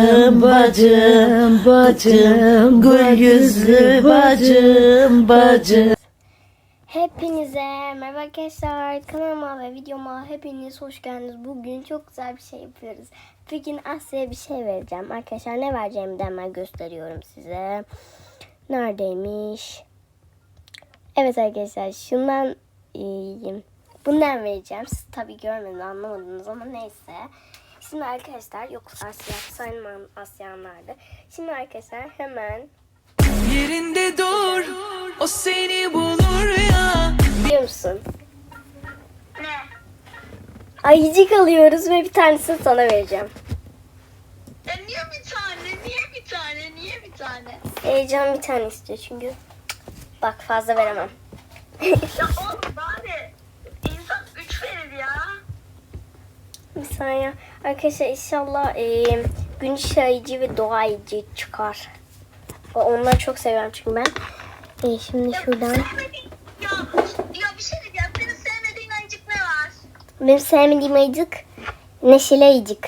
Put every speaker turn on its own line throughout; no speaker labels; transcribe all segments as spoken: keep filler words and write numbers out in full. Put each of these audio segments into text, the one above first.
Bacım, bacım, bacım, gül yüzlü bacım, bacım.
Hepinize merhaba arkadaşlar, kanalıma ve videoma hepiniz hoş geldiniz. Bugün çok güzel bir şey yapıyoruz. Bugün Asya'ya bir şey vereceğim arkadaşlar. Ne vereceğimi de hemen gösteriyorum size. Neredeymiş? Evet arkadaşlar, şundan iyiyim. Bundan vereceğim. Siz tabii görmediniz, anlamadınız ama neyse. Şimdi arkadaşlar, yok Asya sayılmam, Asyanlardı. Şimdi arkadaşlar hemen
yerinde dur, o seni bulur ya.
biliyor musun? Ne? Ayıcık alıyoruz ve bir tanesini sana vereceğim.
E niye bir tane? Niye bir tane? Niye bir tane?
Heyecan bir tane istiyor çünkü. Bak fazla veremem.
Ya oğlum bari insan üç verir ya.
Bir saniye. Arkadaşlar inşallah e, gün ayıcı ve doğa ayıcı çıkar. Onları çok seviyorum çünkü ben. E, şimdi şuradan.
Sevmediğin, ya, ya bir şey diyeceğim. Senin sevmediğin ayıcık ne var?
Benim sevmediğim ayıcık neşeli ayıcık.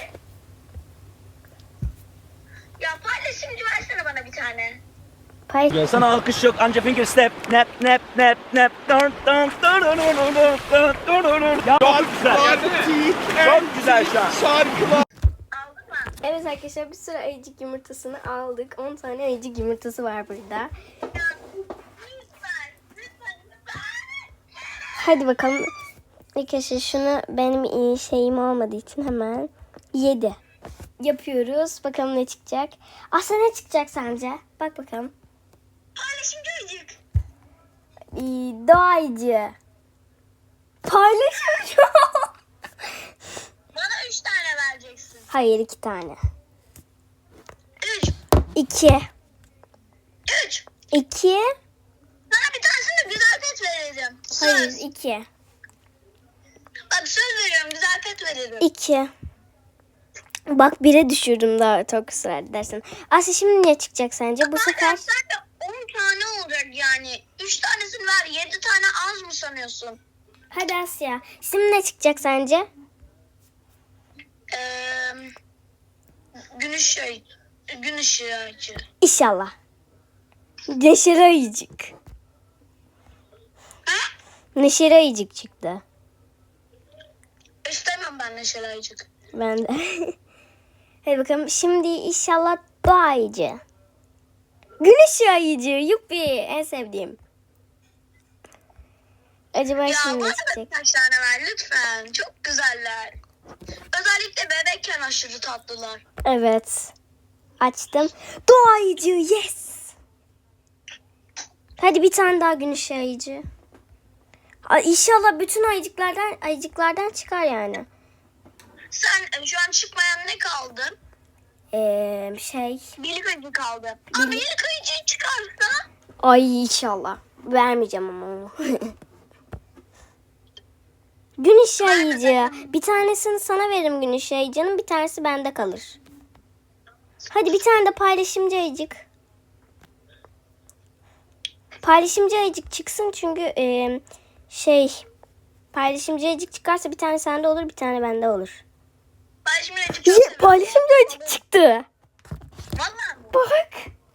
Ya paylaşımcı versene bana bir tane.
Pay
Sana alkış yok anca finger step nap nap nap nap dun dun dun dun dun dun dun dun dun dun. Ya çok güzel. Çok güzel şu an.
Aldın mı?
Evet arkadaşlar, bir sürü ayıcık yumurtasını aldık. on tane ayıcık yumurtası var burada.
Ya, lütfen. Lütfen. Lütfen.
Hadi bakalım. Arkadaşlar şunu benim iyi şeyim olmadığı için hemen yedi. Yapıyoruz. Bakalım ne çıkacak. Aslında ne çıkacak sence? Bak bakalım.
Paylaşımcı ayıcık.
Ee, doğayıcı. Paylaşımcı.
Bana üç tane vereceksin.
Hayır, iki tane.
Üç.
İki.
Üç.
İki.
Sana bir tanesini güzel pet vereceğim. Söz.
Hayır, iki.
Bak söz veriyorum, güzel pet veririm.
İki. Bak bire düşürdüm daha çok ısrar edersen. Asya şimdi ne çıkacak sence? Bu sefer
Zaten sen de on tane olacak yani. üç tanesini ver, yedi tane az mı sanıyorsun?
hadi Asya. Şimdi ne çıkacak sence?
Ee, gün ışığı, gün ışığı açı.
İnşallah. Neşeli ayıcık.
Ha?
Neşeli ayıcık çıktı.
İstemem ben neşeli ayıcık.
Ben de. Hadi bakalım. Şimdi inşallah doğa ayıcı. Gün ışığı ayıcı. Yuppi. En sevdiğim. Acaba
Ya
şimdi
bana
ne
da
çıkacak?
birkaç tane ver lütfen. Çok güzeller. Özellikle bebekken aşırı tatlılar.
Evet. Açtım. Doğa ayıcı. Yes. Hadi bir tane daha gün ışığı ayıcı. Ay, İnşallah bütün ayıcıklardan ayıcıklardan çıkar yani.
Sen e, şu an çıkmayan ne kaldı?
Ee, şey.
Birlik ayıcı kaldı. Ama birlik ayıcı çıkarsa
Ay inşallah. Vermeyeceğim ama onu. Gün ışığı ayıcı. Bir tanesini sana veririm gün ışığı ayıcının. Bir tanesi bende kalır. Hadi bir tane de paylaşımcı ayıcık. Paylaşımcı ayıcık çıksın çünkü e, şey paylaşımcı ayıcık çıkarsa bir tane sende olur, bir tane bende olur.
paylaşımcı ayıcı çok
Ya,
seviyorum.
paylaşımcı ayıcık çıktı.
Vallahi mi?
Bak.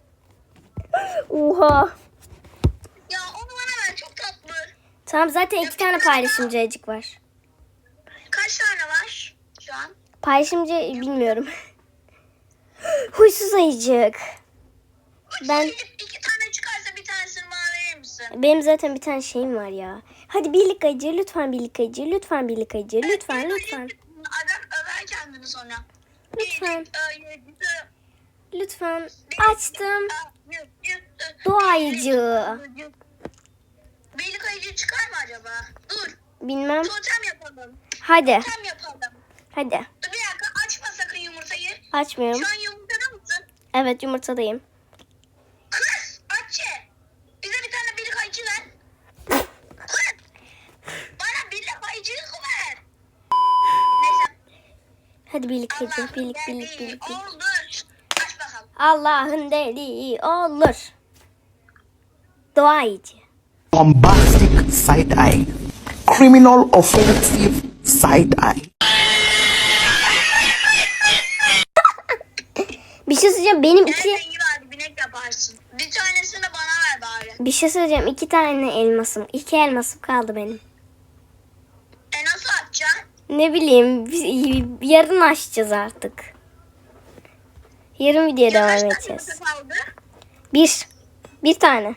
Oha.
Ya onu bana ver, çok tatlı.
Tamam, zaten iki tane paylaşımcı ayıcık var.
Kaç tane var şu an?
Paylaşımcı bilmiyorum. Huysuz ayıcık. Ben
İki tane çıkarsa bir tanesini bana verir misin?
benim zaten bir tane şeyim var ya. Hadi birlik ayıcı, lütfen birlik ayıcı, lütfen birlik ayıcı, lütfen lütfen.
Adam över kendini sonra.
Lütfen.
Bir, e, yedi,
Lütfen.
bir,
Açtım.
e, yüz, yüz, e,
Doğa ayıcı.
Birlik ayıcı çıkar mı acaba? Dur.
Bilmem.
Totem yapalım.
Hadi.
Totem yapalım.
Hadi.
Dur bir dakika, açma sakın yumurtayı.
Açmıyorum.
Şu an yumurtada mısın?
Evet, yumurtadayım.
Kız aç. Bize bir tane birlik ayıcı ver. Kız. Bana birlik ayıcılık ver. Neyse.
Hadi birlik ayıcı,
Allah'ın
birlik birlik
dediği
birlik. birlik.
oldu. Aç bakalım.
Allah'ın dediği olur. Doğa ayıcı.
Bombastic side eye, criminal offensive side eye.
Bir şey söyleyeceğim. Benim
En
iki...
rengi var, binek yaparsın. Bir tanesini de bana ver bari.
Bir şey söyleyeceğim. İki tane elmasım. İki elmasım kaldı benim.
E nasıl atacaksın?
Ne bileyim. biz- Yarın açacağız artık. Yarın videoya
Ya kaç
devam
tane
edeceğiz.
yumurta kaldı?
Bir. Bir tane.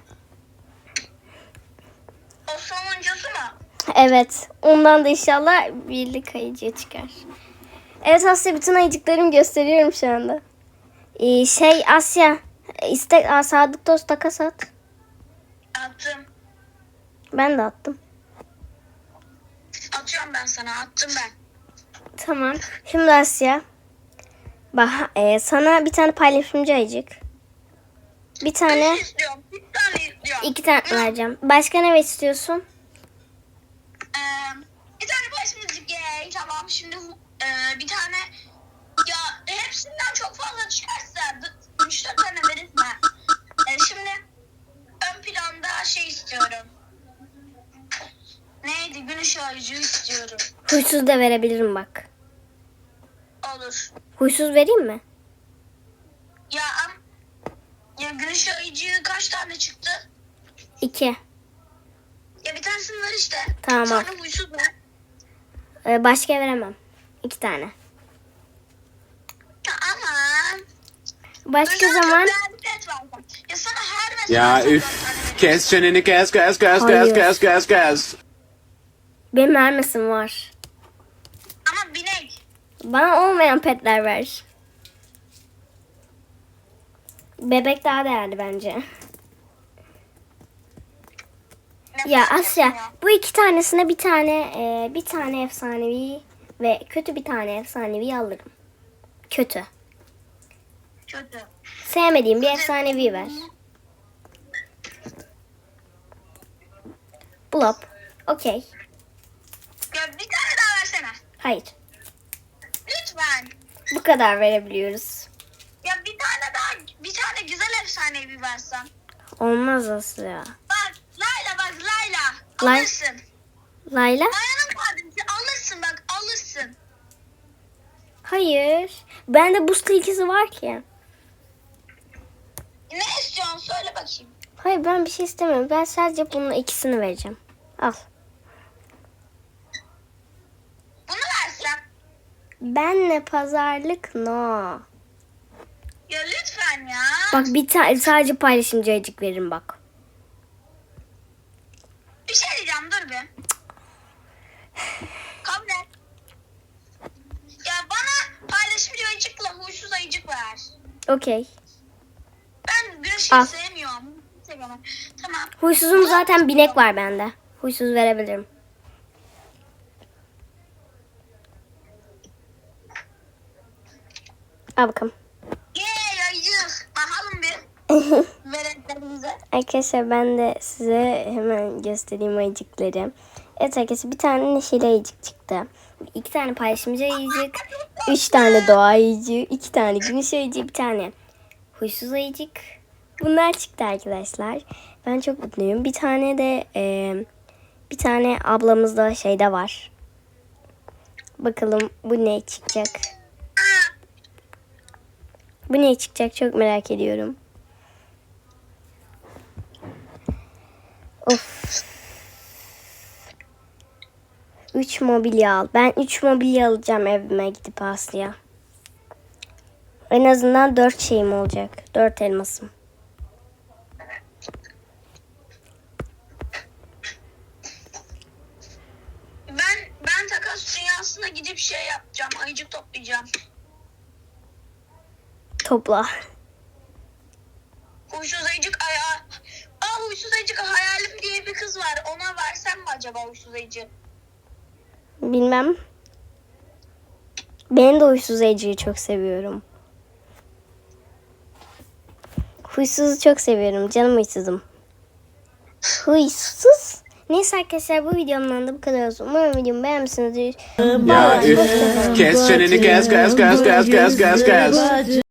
O sonuncusu mu?
Evet. Ondan da inşallah birlik ayıcıya çıkar. Evet Asya, bütün ayıcıklarımı gösteriyorum şu anda. Ee, şey Asya. İstek Aa, Sadık Dost takas at.
Attım.
Ben de attım.
Atıyorum ben sana. Attım ben.
Tamam. Şimdi Asya. Bak e, sana bir tane paylaşımcı ayıcık. Bir tane,
Üç istiyorum. Bir tane istiyorum.
iki tane vereceğim. Başka ne istiyorsun?
Ee, bir tane başımızı gay. Tamam şimdi e, bir tane ya hepsinden çok fazla çıkarsa d- üç dört tane verirsin ha. E, şimdi ön planda şey istiyorum. Neydi? Gün ışığı ayıcığı istiyorum.
Huysuz da verebilirim bak.
Olur.
Huysuz vereyim mi?
Ya am ya gün ışığı ayıcığı kaç tane çıktı?
İki.
Ya bir tanesini ver işte.
Tamam.
Sonra huysuz ver.
Ee, başka veremem. İki tane.
Ya aman.
Başka
Özel
zaman
çok değerli pet var. Ya sana her mesela
Ya
çok
üf.
dört tane veriyorum.
Kes çeneni kes kes kes
Hayır.
kes kes kes kes.
benim vermesim var.
Ama binek.
Bana olmayan petler ver. Bebek daha değerli bence.
Ne
Ya
fark
Asya,
etmiyor.
bu iki tanesine bir tane e, bir tane efsanevi ve kötü bir tane efsanevi alırım. Kötü.
Kötü.
Sevmediğim bir efsanevi ver. Blop. Okey.
Ya bir tane daha versene.
Hayır.
Lütfen.
Bu kadar verebiliyoruz.
Ya bir tane daha, bir tane güzel efsanevi versen.
Olmaz Asya.
Bak Layla bak Layla.
Lay-
Alırsın.
Layla?
Mayanın kardeşi alırsın bak alırsın.
Hayır. Bende boost ikisi var ki.
Ne istiyorsun söyle bakayım.
Hayır, ben bir şey istemiyorum. Ben sadece bunun ikisini vereceğim. Al.
Bunu versem.
Benle pazarlık no.
Ya lütfen ya.
Bak bir tane sadece paylaşımcı ayıcık veririm bak.
Bir şey diyeceğim dur bir. Kabul et. Ya bana paylaşımcı ayıcıkla huysuz ayıcık ver.
Okey.
Ben güneşi
Al.
sevmiyorum. Sevmiyorum. Tamam.
Huysuzum zaten binek var bende. Huysuz verebilirim. Al bakalım.
Yeee ayıcık. Bakalım bir. Verenlerimize.
Arkadaşlar ben de size hemen göstereyim ayıcıkları. Evet arkadaşlar, bir tane neşeli ayıcık çıktı. İki tane paylaşımcı ayıcık. Üç tane doğa ayıcığı. iki tane güneş ayıcığı. Bir tane huysuz ayıcık. Bunlar çıktı arkadaşlar. Ben çok mutluyum. Bir tane de e, bir tane ablamız da şeyde var. Bakalım bu ne çıkacak. Bu ne çıkacak çok merak ediyorum. Of. Üç mobilya al. Ben üç mobilya alacağım evime gidip Aslı'ya. En azından dört şeyim olacak. Dört elmasım.
Ben ben takas dünyasına gidip şey yapacağım. Ayıcık toplayacağım.
Topla.
Huysuz ayıcık aya. Aa huysuz ayıcık hayalim diye bir kız var. Ona versem mi acaba huysuz ayıcık?
Bilmem. Ben de huysuz ayıcıyı çok seviyorum. Huysuzu çok seviyorum. Canım huysuzum. Huysuz. Neyse arkadaşlar, bu videomdan da bu kadar olsun. Umarım videomu beğenmişsinizdir.
Ya üf. Kes çeneni kes kes kes kes kes kes kes.
Bacım.